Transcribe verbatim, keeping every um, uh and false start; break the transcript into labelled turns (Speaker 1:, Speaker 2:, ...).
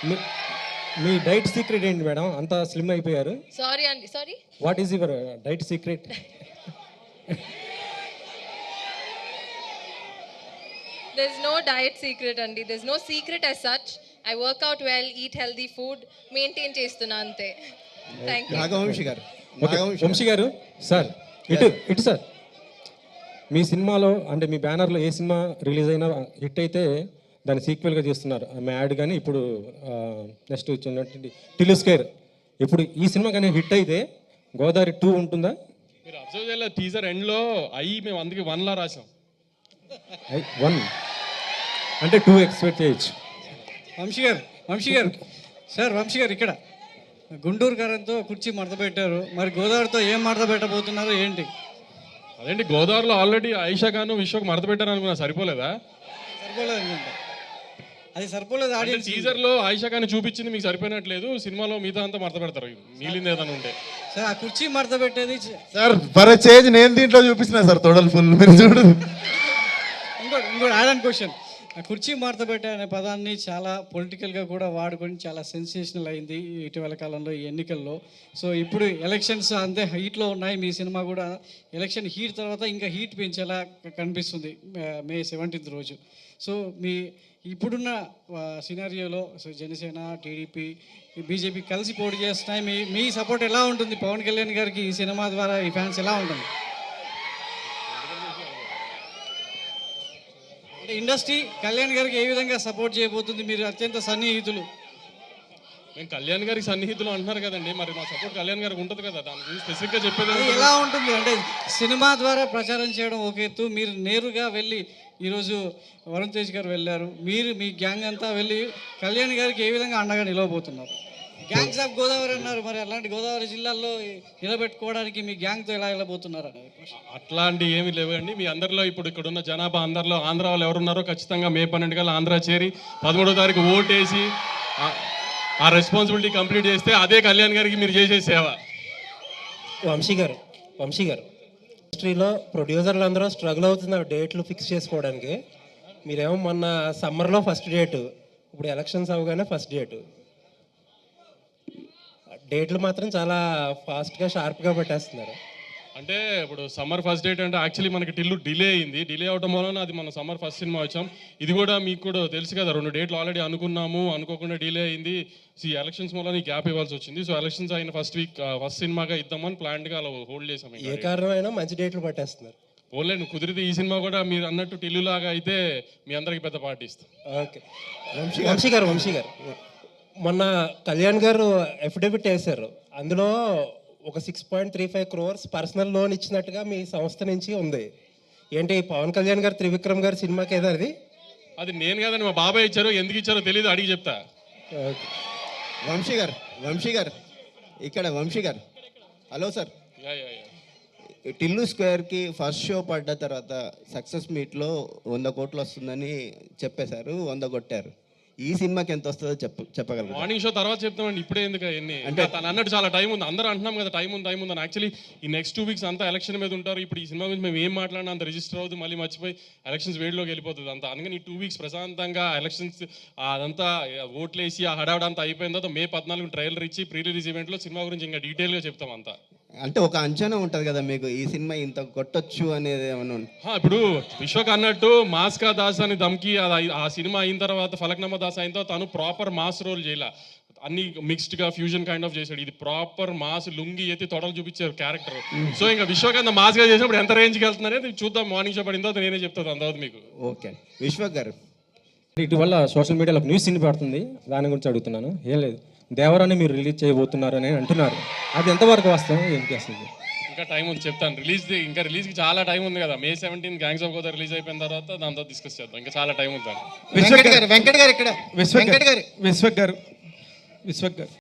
Speaker 1: మీ మీ diet secret ఏంటి madam, అంత స్లిమ్ అయిపోయారు?
Speaker 2: సారీ అండి, sorry.
Speaker 1: What is your diet secret?
Speaker 2: There's no diet secret అండి. There's no secret as such. I work out well, eat healthy food, maintain చేస్తున్నా అంతే. Thank you.
Speaker 3: Nagavamsi గారు,
Speaker 1: okay, Vamsi గారు sir, ఇటు ఇటు సార్. మీ సినిమాలో అంటే మీ బ్యానర్లో ఏ సినిమా రిలీజ్ అయినా హిట్ అయితే దాన్ని సీక్వెల్గా చేస్తున్నారు, మ్యాడ్ కానీ ఇప్పుడు నెక్స్ట్ వచ్చినటువంటి టిల్లు స్క్వేర్. ఇప్పుడు ఈ సినిమా కానీ హిట్ అయితే గోదావరి టూ ఉంటుందా?
Speaker 4: మీరు అబ్జర్వ్ చేయాలి, టీజర్ ఎండ్లో అయ్యి మేము అందుకే వన్లా రాసాం.
Speaker 1: వన్ అంటే టూ ఎక్స్పెక్ట్ చేయొచ్చు.
Speaker 5: వంశీ గారు, వంశీ గారు సార్, వంశీ గారు ఇక్కడ గుంటూరు గారంతో కుర్చీ మడత పెట్టారు, మరి గోదావరితో ఏం మడత పెట్టబోతున్నారు ఏంటి?
Speaker 4: అదేంటి, గోదావరిలో ఆల్రెడీ ఆయిషా ఖాన్ విశ్వకు మడత పెట్టారు అనుకున్నా, సరిపోలేదా?
Speaker 5: సరిపోలేదు అనుకుంటా, అది సరిపోలేదు. ఆడియన్స్
Speaker 4: టీజర్ లో ఆయిషా ఖాన్ చూపించింది మీకు సరిపోయినట్లేదు, సినిమాలో మిగతా అంతా మడత పెడతారు, మిగిలింది ఏదైనా ఉంటే.
Speaker 5: సార్ ఆ కుర్చీ మడత పెట్టేది
Speaker 3: సార్ ఫర్ చేంజ్ నేను దీంట్లో చూపిస్తున్నా సార్, తొడలు ఫుల్ మీరు చూడు.
Speaker 5: ఇంకోటి ఇంకోటి యాడ్ అండ్ క్వశ్చన్, ఆ కుర్చీ మడత పెట్టే అనే పదాన్ని చాలా పొలిటికల్గా కూడా వాడుకొని చాలా సెన్సేషనల్ అయింది ఇటీవల కాలంలో ఈ ఎన్నికల్లో. సో ఇప్పుడు ఎలక్షన్స్ అంతే హీట్లో ఉన్నాయి, మీ సినిమా కూడా ఎలక్షన్ హీట్ తర్వాత ఇంకా హీట్ పెంచేలా కనిపిస్తుంది మే సెవెంటీన్త్ రోజు. సో మీ ఇప్పుడున్న సినారియోలో సో జనసేన, టీడీపీ, బీజేపీ కలిసి పోటీ చేస్తున్నాయి, మీ మీ సపోర్ట్ ఎలా ఉంటుంది పవన్ కళ్యాణ్ గారికి ఈ సినిమా ద్వారా, ఈ ఫ్యాన్స్ ఎలా ఉంటుంది? అంటే ఇండస్ట్రీ కళ్యాణ్ గారికి ఏ విధంగా సపోర్ట్ చేయబోతుంది? మీరు అత్యంత సన్నిహితులు.
Speaker 4: మేము కళ్యాణ్ గారికి సన్నిహితులు అంటున్నారు కదండి, మరి మా సపోర్ట్ కళ్యాణ్ గారికి ఉంటుంది కదా, దాని గురించి స్పెసిఫిక్గా చెప్పేది
Speaker 5: అది ఎలా ఉంటుంది అంటే సినిమా ద్వారా ప్రచారం చేయడం ఒక ఎత్తు, మీరు నేరుగా వెళ్ళి ఈరోజు వరుణ్ తేజ్ గారు వెళ్ళారు, మీరు మీ గ్యాంగ్ అంతా వెళ్ళి కళ్యాణ్ గారికి ఏ విధంగా అండగా నిలవబోతున్నారు? గ్యాంగ్స్ ఆఫ్ గోదావరి అన్నారు, మరి అలాంటి గోదావరి జిల్లాల్లో నిలబెట్టుకోవడానికి మీ గ్యాంగ్తో ఎలా వెళ్ళబోతున్నారు అనేది
Speaker 4: అట్లాంటి ఏమి లేవండి. మీ అందరిలో ఇప్పుడు ఇక్కడ ఉన్న జనాభా అందరిలో ఆంధ్ర వాళ్ళు ఎవరున్నారో ఖచ్చితంగా మే పన్నెండు కల్లా ఆంధ్ర చేరి పదమూడో తారీఖు ఓటేసి ఆ రెస్పాన్సిబిలిటీ కంప్లీట్ చేస్తే అదే కళ్యాణ్ గారికి మీరు చేసే సేవ.
Speaker 1: వంశీ గారు, వంశీ గారు ఇండస్ట్రీలో ప్రొడ్యూసర్లు అందరూ స్ట్రగుల్ అవుతున్నారు డేట్లు ఫిక్స్ చేసుకోవడానికి. మీరేమో మొన్న సమ్మర్లో ఫస్ట్ డేటు, ఇప్పుడు ఎలక్షన్స్ అవగానే ఫస్ట్ డేటు, డేట్లు మాత్రం చాలా ఫాస్ట్గా షార్ప్గా పెట్టేస్తున్నారు.
Speaker 4: అంటే ఇప్పుడు సమ్మర్ ఫస్ట్ డేట్ అంటే యాక్చువల్లీ మనకి టిల్లు డిలే అయింది, డిలే అవడం వలన అది మన సమ్మర్ ఫస్ట్ సినిమా వచ్చాం. ఇది కూడా మీకు కూడా తెలుసు కదా, రెండు డేట్లు ఆల్రెడీ అనుకున్నాము, అనుకోకుండా డిలే అయింది. సో ఈ ఎలక్షన్స్ వల్ల గ్యాప్ ఇవ్వాల్సి వచ్చింది. సో ఎలక్షన్స్ అయిన ఫస్ట్ వీక్ ఫస్ట్ సినిమాగా ఇద్దామని ప్లాన్గా అలా హోల్డ్ చేసాం.
Speaker 1: ఏ కారణమైనా మంచి డేట్లు పట్టేస్తున్నారు.
Speaker 4: ఓన్లీ కుదిరితే ఈ సినిమా కూడా మీరు అన్నట్టు టిల్లు లాగా అయితే మీ అందరికి పెద్ద పార్టీ ఇస్తాం.
Speaker 1: ఓకే, వంశీ గారు, వంశీ గారు మొన్న కళ్యాణ్ గారు ఎఫిడవిట్ వేశారు, అందులో ఒక six point three five crores personal loan ఇచ్చినట్టుగా మీ సంస్థ నుంచి ఉంది. ఏంటి పవన్ కళ్యాణ్ గారు త్రివిక్రమ్ గారి సినిమాకి ఏదో అది?
Speaker 4: అది నేను కదండి, మా బాబాయ్ ఇచ్చారో, ఎందుకు ఇచ్చారో తెలియదు, అడిగి చెప్తా.
Speaker 1: ఓకే,
Speaker 3: వంశీ గారు, వంశీ గారు ఇక్కడ వంశీ గారు, హలో సార్. టిల్లు స్క్వేర్కి ఫస్ట్ షో పడ్డ తర్వాత సక్సెస్ మీట్లో వంద కోట్లు వస్తుందని చెప్పేశారు, వంద కొట్టారు. ఈ సినిమాకి ఎంత వస్తుందో చెప్ప చెప్పగలరు?
Speaker 4: మార్నింగ్ షో తర్వాత చెప్తామండి, ఇప్పుడే ఎందుకు ఎన్ని అంటే తను అన్నట్టు చాలా టైం ఉంది, అందరూ అంటున్నాం కదా టైం ఉంది టైం ఉంది అని. యాక్చువల్లీ ఈ నెక్స్ట్ టూ వీక్స్ అంతా ఎలక్షన్ మీద ఉంటారు. ఇప్పుడు ఈ సినిమా గురించి మేము ఏం మాట్లాడినా అంత రిజిస్టర్ అవుతుంది, మళ్ళీ మర్చిపోయి ఎలక్షన్స్ వేడిలోకి వెళ్ళిపోతుంది అంతా. అందుకని ఈ టూ వీక్స్ ప్రశాంతంగా ఎలక్షన్స్ అదంతా ఓట్లేసి ఆ హడావిడ అంతా అయిపోయిన తర్వాత మే పద్నాలుగు ట్రైలర్ ఇచ్చి ప్రీ రిలీజ్ ఈవెంట్లో సినిమా గురించి ఇంకా డీటెయిల్గా చెప్తాం అంతా.
Speaker 3: అంటే ఒక అంచనా ఉంటుంది కదా మీకు, ఈ సినిమా ఇంత కొట్టొచ్చు అనేది ఏమన్నా?
Speaker 4: ఇప్పుడు విశ్వక్ అన్నట్టు మాస్కా దాస్ అని దమ్కి అది ఆ సినిమా అయిన తర్వాత ఫలక్నామా దాస్ అయిన తర్వాత తను ప్రాపర్ మాస్ రోల్ చేయాల, అన్ని మిక్స్డ్ గా ఫ్యూజన్ కైండ్ ఆఫ్ చేశాడు. ఇది ప్రాపర్ మాస్, లుంగి ఎత్తి తొడలు చూపించారు క్యారెక్టర్. సో ఇంకా విశ్వక్ మాస్ గా చేసినప్పుడు ఎంత రేంజ్కి వెళ్తున్నారనేది చూద్దాం, మార్నింగ్ షో పడిన తర్వాత నేనే చెప్తాను అంతవరకు మీకు.
Speaker 3: ఓకే, విశ్వక్ గారు
Speaker 1: ఇటీవల సోషల్ మీడియాలో న్యూస్ ఇన్ని పడుతుంది, దాని గురించి అడుగుతున్నాను. ఏం లేదు, దేవరాన్ని మీరు రిలీజ్ చేయబోతున్నారు అని అంటున్నారు, అది ఎంతవరకు వాస్తవం, ఏం చేస్తుంది?
Speaker 4: ఇంకా టైం ఉంది, చెప్తాను. రిలీజ్ ఇంకా రిలీజ్కి చాలా టైం ఉంది కదా, May seventeen gangs of Godavari release అయిపోయిన తర్వాత దాంతో డిస్కస్ చేద్దాం, ఇంకా చాలా టైం ఉంది.
Speaker 3: వెంకట్ గారు, వెంకట్ గారు ఇక్కడ, వెంకట్ గారు,
Speaker 5: విశ్వక్ గారు, విశ్వక్ గారు